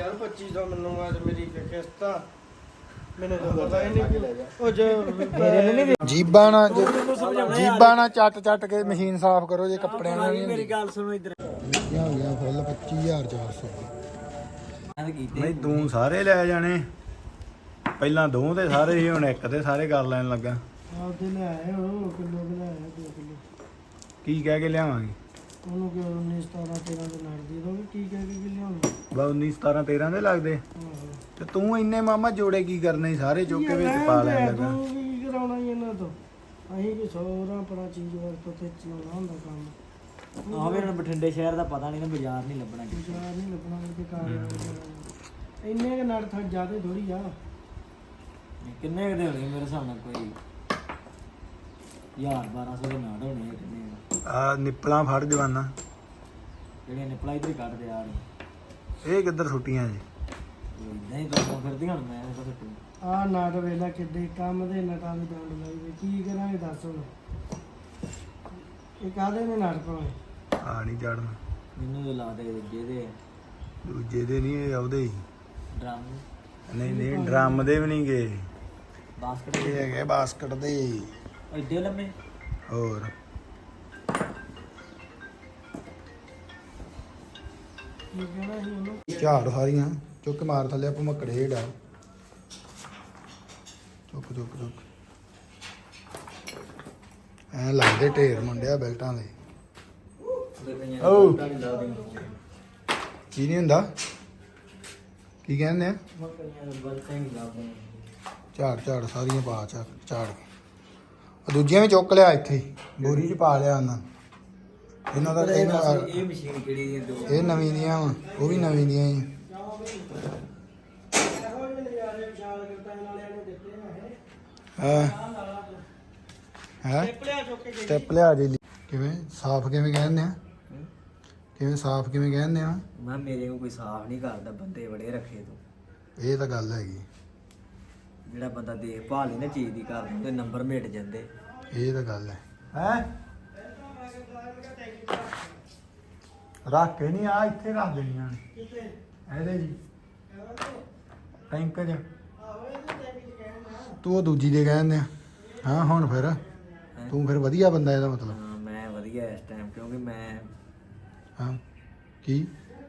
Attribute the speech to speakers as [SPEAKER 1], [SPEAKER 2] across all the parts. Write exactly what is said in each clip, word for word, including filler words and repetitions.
[SPEAKER 1] ਯਾਰ ਪੱਚੀ ਸੌ ਮੈਨੂੰ ਅੱਜ ਮੇਰੀ ਕਿਸ਼ਤ ਆ ਮੈਨੂੰ ਤਾਂ ਪਤਾ ਹੀ ਨਹੀਂ ਉਹ ਜੋ ਮੇਰੇ
[SPEAKER 2] ਜੀਬਾਂ ਨਾਲ ਜੀਬਾਂ ਨਾਲ ਚੱਟ ਚੱਟ ਕੇ ਮਸ਼ੀਨ ਸਾਫ਼ ਕਰੋ ਜੇ ਕੱਪੜਿਆਂ ਨਾਲ ਨਹੀਂ
[SPEAKER 1] ਮੇਰੀ ਗੱਲ ਸੁਣੋ ਇੱਧਰ
[SPEAKER 2] ਹੋ ਗਿਆ ਫੁੱਲ ਪੱਚੀ ਹਜ਼ਾਰ ਚਾਰ ਸੌ
[SPEAKER 3] ਨਹੀਂ ਤੂੰ ਸਾਰੇ ਲੈ ਜਾਣੇ ਪਹਿਲਾਂ ਦੋ ਤੇ ਸਾਰੇ ਹੀ ਹੁਣ ਇੱਕ ਤੇ ਸਾਰੇ ਕਰ ਲੈਣ ਲੱਗਾ
[SPEAKER 1] ਆਪਦੇ ਲੈ ਆਏ ਉਹ ਕਿਲੋ ਦੇ ਲੈ ਆਏ ਦੋ ਕਿਲੋ
[SPEAKER 3] ਕੀ ਕਹਿ ਕੇ ਲਿਆਵਾਂਗੇ
[SPEAKER 1] ਉਹਨੂੰ ਕਿ ਉੱਨੀ ਸਤਾਰਾਂ ਤੇਰਾਂ ਦੇ ਨਾਲ ਦੇ ਦੋਗੇ ਕੀ ਕਹਿ ਕੇ ਕਿ ਲਿਆਉਣਾ
[SPEAKER 3] ਬਾ ਉੱਨੀ ਸਤਾਰਾਂ ਤੇਰਾਂ ਦੇ ਲੱਗਦੇ ਤੇ ਤੂੰ ਇੰਨੇ ਮਾਮਾ ਜੋੜੇ ਕੀ ਕਰਨੇ ਸਾਰੇ ਚੁੱਕ ਕੇ ਵਿੱਚ ਪਾ ਲੈਣ ਲੱਗਾ
[SPEAKER 1] ਤੂੰ ਕੀ ਕਰਾਉਣਾ ਹੀ ਇਹਨਾਂ ਤੋਂ ਅਸੀਂ ਕਿ ਸੌਰਾਂ ਪੜਾ ਚੀਜ਼ ਵਰਤੋਂ ਤੇ ਚਲਾਉਣਾ ਹੁੰਦਾ ਕੰਮ
[SPEAKER 4] ਆਹ ਵੀ ਇਹਨਾਂ ਬਠਿੰਡੇ ਸ਼ਹਿਰ ਦਾ ਪਤਾ ਨਹੀਂ ਨਾ ਬਾਜ਼ਾਰ ਨਹੀਂ ਲੱਭਣਾ
[SPEAKER 1] ਬਾਜ਼ਾਰ ਨਹੀਂ ਲੱਭਣਾ ਕਿ ਕਾਰ ਇੰਨੇ ਕਿ ਨੜ ਥਾ ਜ਼ਿਆਦਾ ਥੋੜੀ ਆ
[SPEAKER 4] ਕਿੰਨੇ ਕੁ ਦੇ ਹੋਣੇ ਮੇਰੇ ਹਿਸਾਬ ਨਾਲ ਕੋਈ ਹਜ਼ਾਰ ਬਾਰਾਂ ਸੌ ਦੇ ਨਾੜ ਹੋਣੇ ਆ ਕਿੰਨੇ
[SPEAKER 3] ਆ ਨਿਪਲਾਂ ਫੜ ਜਵਾਨਾ
[SPEAKER 4] ਜਿਹੜੇ ਨਿਪਲਾ ਇੱਧਰ ਹੀ ਕੱਢਦੇ ਆ ਰਹੇ
[SPEAKER 3] ਇਹ ਕਿੱਧਰ ਸੁੱਟੀਆਂ ਜੀ
[SPEAKER 4] ਨਹੀਂ ਤਾਂ ਫਿਰਦੀਆਂ ਹੁਣ ਮੈਂ ਤਾਂ ਫਿੱਟੂ
[SPEAKER 1] ਆ ਨਾਟ ਵੇਲਾ ਕਿੱਡੇ ਕੰਮ ਦੇ ਨਟਾਂ ਦੀ ਡੰਡ ਲਾਈ ਵੀ ਕੀ ਕਰਾਂਗੇ ਦੱਸ ਹੁਣ ਇਹ ਕਾਹਦੇ ਨੇ ਨਾਟ ਪਾਉਣੇ
[SPEAKER 3] ਆ ਨਹੀਂ ਚੜਨਾ
[SPEAKER 4] ਮੈਨੂੰ ਤਾਂ ਲਾ ਦੇ ਜਿਹਦੇ
[SPEAKER 3] ਦੂਜੇ ਦੇ ਨਹੀਂ ਇਹ ਉਹਦੇ ਹੀ
[SPEAKER 4] ਡਰਮ
[SPEAKER 3] ਨਹੀਂ ਨਹੀਂ ਡਰਮ ਦੇ ਵੀ ਨਹੀਂ ਗਏ
[SPEAKER 4] ਬਾਸਕਟ
[SPEAKER 3] ਇਹ ਹੈਗੇ ਬਾਸਕਟ ਦੇ
[SPEAKER 4] ਐਡੇ ਲੰਮੇ
[SPEAKER 3] ਹੋਰ
[SPEAKER 1] ਕੀ ਕਹਿਣਾ ਸੀ ਉਹਨੂੰ
[SPEAKER 2] ਝਾੜ ਸਾਰੀਆਂ ਚੁੱਕ ਮਾਰ ਥੱਲੇ ਆਪਾਂ ਮੱਕੜੇ ਢਾ ਚੁੱਕ ਚੁੱਕ ਚੁੱਕ ਐ ਲੱਗਦੇ ਢੇਰ ਮੁੰਡਿਆ ਬੈਲਟਾਂ ਦੇ ਓ ਕੀ ਨਹੀਂ ਹੁੰਦਾ ਕੀ ਕਹਿੰਦੇ ਆ ਝਾੜ ਝਾੜ ਸਾਰੀਆਂ ਪਾ ਚਾ ਝਾੜ ਉਹ ਦੂਜੀਆਂ ਵੀ ਚੁੱਕ ਲਿਆ ਇੱਥੇ ਹੀ ਬੋਰੀ 'ਚ ਪਾ ਲਿਆ ਉਹਨਾਂ ਇਹਨਾਂ ਦਾ ਇਹਨਾਂ
[SPEAKER 4] ਇਹ ਮਸ਼ੀਨ ਕਿਹੜੀ ਦੀ ਦੋ
[SPEAKER 2] ਇਹ ਨਵੀਂ ਦੀਆਂ ਵਾ ਉਹ ਵੀ ਨਵੀਂ ਦੀਆਂ ਹੀ ਹਾਂ ਹੈ ਸਟੈਪ ਲਿਆ ਜੀ ਕਿਵੇਂ ਸਾਫ਼ ਕਿਵੇਂ ਕਹਿੰਦੇ ਆ ਕਿਵੇਂ ਸਾਫ਼ ਕਿਵੇਂ ਕਹਿੰਦੇ ਆ
[SPEAKER 4] ਮੈਂ ਮੇਰੇ ਨੂੰ ਕੋਈ ਸਾਫ਼ ਨਹੀਂ ਕਰਦਾ ਬੰਦੇ ਬੜੇ ਰੱਖੇ ਤੂੰ
[SPEAKER 2] ਇਹ ਤਾਂ ਗੱਲ ਹੈਗੀ
[SPEAKER 4] ਜਿਹੜਾ ਬੰਦਾ ਦੇਖਭਾਲ ਨਹੀਂ ਨਾ ਚੀਜ਼ ਦੀ ਕਰਦਾ ਉਹਦੇ ਨੰਬਰ ਮਿਟ ਜਾਂਦੇ
[SPEAKER 2] ਇਹ ਤਾਂ ਗੱਲ ਹੈ
[SPEAKER 3] ਹੈ ਰੱਖ ਕੇ ਨਹੀਂ ਆ ਇੱਥੇ ਰੱਖ ਦੇਣੀਆਂ ਨੇ ਇਹਦੇ ਜੀ ਟੈਂਕ ਚ
[SPEAKER 2] ਤੂੰ ਉਹ ਦੂਜੀ ਦੇ ਕਹਿੰਦੇ ਆ ਹਾਂ ਹੁਣ ਫਿਰ ਤੂੰ ਫਿਰ ਵਧੀਆ ਬੰਦਾ ਇਹਦਾ ਮਤਲਬ
[SPEAKER 4] ਹਾਂ ਮੈਂ ਵਧੀਆ ਇਸ ਟਾਈਮ ਕਿਉਂਕਿ ਮੈਂ
[SPEAKER 2] ਹਾਂ ਕੀ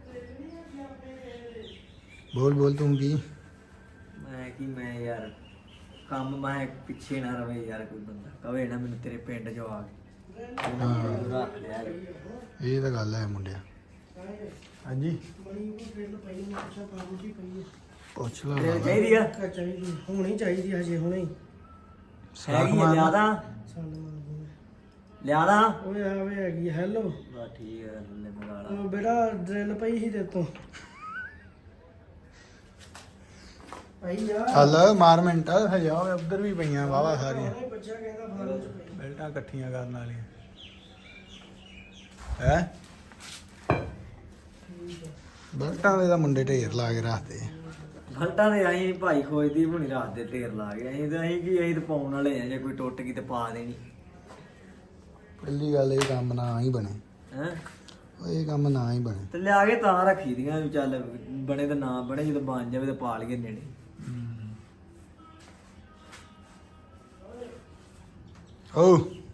[SPEAKER 2] ਬੋਲ ਬੋਲ ਤੂੰ ਕੀ
[SPEAKER 4] ਮੈਂ ਕੀ ਮੈਂ ਯਾਰ ਕੰਮ ਮੈਂ ਪਿੱਛੇ ਨਾ ਰਵੇ ਯਾਰ ਕੋਈ ਬੰਦਾ ਕਵੇ ਨਾ ਮੈਨੂੰ ਤੇਰੇ ਪਿੰਡ ਚੋਂ ਆ ਕੇ ਮੈਨੂੰ ਰੱਖ ਲਿਆ
[SPEAKER 2] ਇਹ ਤਾਂ ਗੱਲ ਹੈ ਮੁੰਡਿਆ
[SPEAKER 3] ਹਾਂਜੀ
[SPEAKER 2] ਪੁੱਛ ਲਾ
[SPEAKER 4] ਤੇਰੇ ਚਾਹੀਦੀ ਆ
[SPEAKER 1] ਚਾਹੀਦੀ ਹੋਣੀ ਚਾਹੀਦੀ ਹਜੇ ਹੁਣੇ ਹੀ
[SPEAKER 4] ਹੈਗੀ ਆ ਲਿਆਦਾ
[SPEAKER 1] ਸਾਨੂੰ ਮਾਰ
[SPEAKER 4] ਲਿਆਦਾ
[SPEAKER 1] ਓਏ ਆਵੇ ਹੈਗੀ ਹੈਲੋ
[SPEAKER 4] ਬਾ ਠੀਕ ਹੈ ਲੈ ਮੰਗਾ ਲਾ
[SPEAKER 1] ਉਹ ਬੇਟਾ ਡਰਿਲ ਪਈ ਸੀ ਤੇ ਤੋਂ ਪਈ ਆ
[SPEAKER 2] ਚੱਲ ਮਾਰ ਮਿੰਟ ਹਜਾ ਉਧਰ ਵੀ ਪਈਆਂ ਵਾਵਾ ਸਾਰੀਆਂ
[SPEAKER 1] ਉਹਨੇ ਬੱਚਾ ਕਹਿੰਦਾ ਫਾਰਮ ਚ ਪਈ
[SPEAKER 3] ਬੈਲਟਾਂ ਇਕੱਠੀਆਂ ਕਰਨ ਵਾਲੀਆਂ ਹੈ
[SPEAKER 2] ਬਲਟਾਂ ਦੇ ਤਾਂ ਮੁੰਡੇ ਢੇਰ ਲਾ ਕੇ ਰੱਖਦੇ ਆ
[SPEAKER 4] ਘੰਟਾ ਦੇ ਅਸੀਂ ਭਾਈ ਖੋਜਦੀ ਹੁਣੀ ਰਾਤ ਦੇ ਢੇਰ ਲਾ ਗਏ ਅਸੀਂ ਤਾਂ ਅਸੀਂ ਕੀ ਅਸੀਂ ਤਾਂ ਪਾਉਣ ਵਾਲੇ ਆ ਜੇ ਕੋਈ ਟੁੱਟ ਗਈ ਤੇ ਪਾ ਦੇਣੀ
[SPEAKER 2] ਪਹਿਲੀ ਗੱਲ ਇਹ ਕੰਮ ਨਾ ਹੀ ਬਣੇ
[SPEAKER 4] ਹੈ
[SPEAKER 2] ਉਹ ਇਹ ਕੰਮ ਨਾ ਹੀ ਬਣੇ
[SPEAKER 4] ਤੇ ਲਿਆ ਕੇ ਤਾਂ ਰੱਖੀ ਦੀਆਂ ਵੀ ਚੱਲ ਬਣੇ ਤਾਂ ਨਾ ਬਣੇ ਜਦੋਂ ਬਣ ਜਾਵੇ ਤਾਂ ਪਾ ਲਈਏ ਨੇੜੇ
[SPEAKER 2] ਓ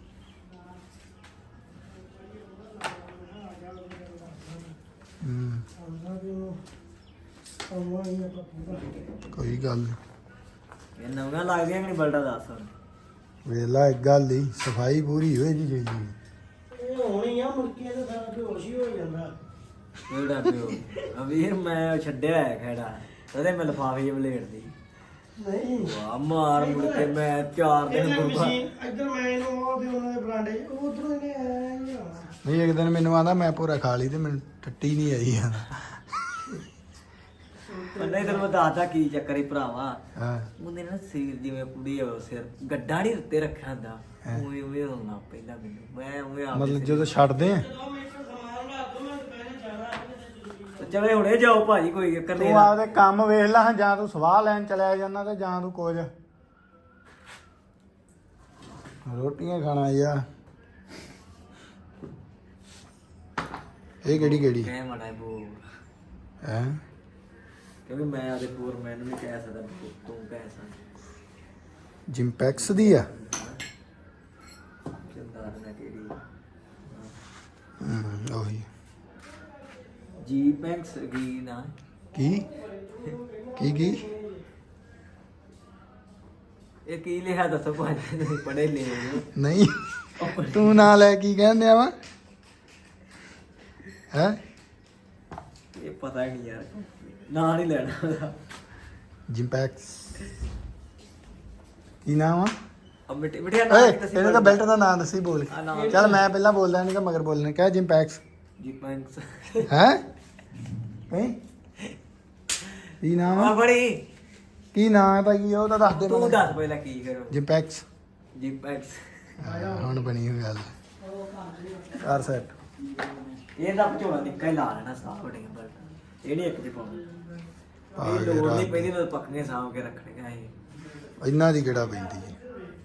[SPEAKER 2] ਹੂੰ
[SPEAKER 1] ਆਉਂਦਾ ਵੀ ਉਹ ਆਉਂਦਾ ਹੀ ਆਪਾਂ ਪੂਰਾ
[SPEAKER 2] ਕੋਈ ਗੱਲ ਨੀ।
[SPEAKER 4] ਇਹ ਨਵੀਆਂ ਲੱਗਦੀਆਂ ਕਿ ਨਹੀਂ ਬਲਟਾ ਦੱਸ ਹੁਣ
[SPEAKER 2] ਵੇਲਾ ਇੱਕ ਗੱਲ ਦੀ ਸਫਾਈ ਪੂਰੀ ਹੋਏ ਜੀ ਚਾਹੀਦੀ
[SPEAKER 1] ਇਹ ਹੋਣੀ ਆ ਮੁਰਕੀਆਂ ਦਾ ਸਾਰਾ ਬੇਹੋਸ਼ ਹੀ ਹੋ ਜਾਂਦਾ
[SPEAKER 4] ਕਿਹੜਾ ਪਿਓ ਅਵੀਰ ਮੈਂ ਛੱਡਿਆ ਹੈ ਖੇੜਾ ਉਹਦੇ ਮੈਂ ਲਫਾਫੇ ਜਿਹੇ ਬਲੇਡਦੀ
[SPEAKER 1] ਨਹੀਂ
[SPEAKER 4] ਵਾਹ ਮਾਰ ਮੁੜ ਕੇ ਮੈਂ ਚਾਰ ਦਿਨ
[SPEAKER 1] ਇਹਨੇ
[SPEAKER 4] ਗੁਰਬਾ
[SPEAKER 1] ਮਸ਼ੀਨ ਇੱਧਰ ਮੈਂ ਇਹਨੂੰ ਉਹ ਦੇ ਉਹਨਾਂ ਦੇ ਬਰਾਂਡੇ ਉਧਰੋਂ ਇਹਨੇ ਆਇਆ ਹੀ ਆ
[SPEAKER 2] ਨਹੀਂ ਇੱਕ ਦਿਨ ਮੈਨੂੰ ਆਂਦਾ ਮੈਂ ਪੂਰਾ ਖਾ ਲਈ ਤੇ ਮੈਨੂੰ ਟੱਟੀ ਨਹੀਂ ਆਈ ਆ
[SPEAKER 4] ਨਹੀਂ ਤੈਨੂੰ ਮੈਂ ਦੱਸਦਾ ਕੀ ਚੱਕਰ ਹੀ ਭਰਾਵਾ
[SPEAKER 2] ਹਾਂ
[SPEAKER 4] ਉਹਨੇ ਨਾ ਸਿਰ ਜਿਵੇਂ ਕੁੜੀ ਹੋਵੇ ਸਿਰ ਗੱਡਾ ਨਹੀਂ ਉੱਤੇ ਰੱਖਿਆ ਹੁੰਦਾ ਉਵੇਂ ਉਵੇਂ ਹੋਣਾ ਪਹਿਲਾਂ ਮੈਨੂੰ ਮੈਂ ਉਵੇਂ ਆ
[SPEAKER 2] ਮਤਲਬ ਜਦੋਂ ਛੱਡਦੇ ਆ
[SPEAKER 4] ਚਲੇ ਹੁਣੇ ਜਾਓ ਭਾਜੀ ਕੋਈ ਚੱਕਰ ਨਹੀਂ
[SPEAKER 2] ਤੂੰ ਆਪਦੇ ਕੰਮ ਵੇਖ ਲੈ ਜਾਂ ਤੂੰ ਸਵਾਹ ਲੈਣ ਚਲਿਆ ਜਾਂਦਾ ਤੇ ਜਾਂ ਤੂੰ ਕੁਝ ਰੋਟੀਆਂ ਖਾਣਾ ਯਾ ਇਹ ਕਿਹੜੀ ਕਿਹੜੀ
[SPEAKER 4] ਕਹਿ ਮਾੜਾ ਬੋ
[SPEAKER 2] ਹੈ
[SPEAKER 4] ਕਿਉਂਕਿ ਮੈਂ ਆਦੇ ਪੂਰ ਮੈਨੂੰ ਨਹੀਂ ਕਹਿ ਸਕਦਾ ਵੀ ਤੂੰ ਕਹਿ ਸਕਦਾ
[SPEAKER 2] ਜਿੰਪੈਕਸ ਦੀ ਆ
[SPEAKER 4] ਚੰਦਾਰ ਨਾ ਕਿਹੜੀ
[SPEAKER 2] ਹੂੰ ਉਹੀ
[SPEAKER 4] ਜੀ ਪੈਂਕਸ ਕੀ ਨਾ
[SPEAKER 2] ਕੀ ਕੀ ਕੀ
[SPEAKER 4] ਇਹ ਕੀ ਲਿਖਿਆ ਦੱਸੋ ਭਾਜੀ ਤੁਸੀਂ ਪੜ੍ਹੇ ਲਿਖੇ
[SPEAKER 2] ਨਹੀਂ ਤੂੰ ਨਾ ਲੈ ਕੀ ਕਹਿੰਦੇ ਆ ਵਾ ਹੈ
[SPEAKER 4] ਇਹ ਪਤਾ ਹੀ ਨਹੀਂ ਯਾਰ ਨਾਂ ਨਹੀਂ ਲੈਣਾ ਉਹਦਾ
[SPEAKER 2] ਜਿੰਪੈਕਸ ਕੀ ਨਾਮ ਆ
[SPEAKER 4] ਅਬ ਮਿੱਟੀ ਮਿੱਠਿਆ
[SPEAKER 2] ਓਏ
[SPEAKER 4] ਨਾਂ ਕਿਤੇ
[SPEAKER 2] ਇਹਨੇ ਤਾਂ ਬੈਲਟ ਦਾ ਨਾਮ ਦੱਸੀ ਬੋਲ
[SPEAKER 4] ਆ ਨਾਮ
[SPEAKER 2] ਚੱਲ ਮੈਂ ਪਹਿਲਾਂ ਬੋਲਦਾ ਨਹੀਂ ਕਿ ਮਗਰ ਬੋਲਣੇ ਕਿਆ ਜਿੰਪੈਕਸ
[SPEAKER 4] ਜੀ ਪੈਂਕਸ
[SPEAKER 2] ਹੈ ਹੈ ਕੀ ਨਾਮ
[SPEAKER 4] ਆ
[SPEAKER 2] ਆ
[SPEAKER 4] ਬੜੀ
[SPEAKER 2] ਕੀ ਨਾਮ ਹੈ ਭਾਈ ਉਹ ਤਾਂ ਦੱਸ ਦੇ
[SPEAKER 4] ਤੂੰ
[SPEAKER 2] ਮੈਨੂੰ
[SPEAKER 4] ਦੱਸ ਪਹਿਲਾਂ ਕੀ ਕਰੋ
[SPEAKER 2] ਜਿੰਪੈਕਸ
[SPEAKER 4] ਜੀ ਪੈਂਕਸ
[SPEAKER 2] ਹੁਣ ਬਣੀ ਹੋਈ ਗੱਲ ਕਰ ਸੈਟ
[SPEAKER 4] ਇਹ ਤਾਂ ਝੋਲਾ ਨਿੱਕਾ ਹੀ ਲਾ ਲੈਣਾ ਸਾਫ ਹੋ ਗਿਆ ਬਲ ਇਹ ਨਹੀਂ ਇੱਕ ਚ ਪਾਉਣਾ ਇਹ ਲੋੜ ਨਹੀਂ ਪੈਂਦੀ ਤਾਂ ਪੱਕਨੇ ਸਾਂਭ ਕੇ ਰੱਖਣੀਆਂ ਇਹ
[SPEAKER 2] ਇਹਨਾਂ ਦੀ ਕਿਹੜਾ ਪੈਂਦੀ ਹੈ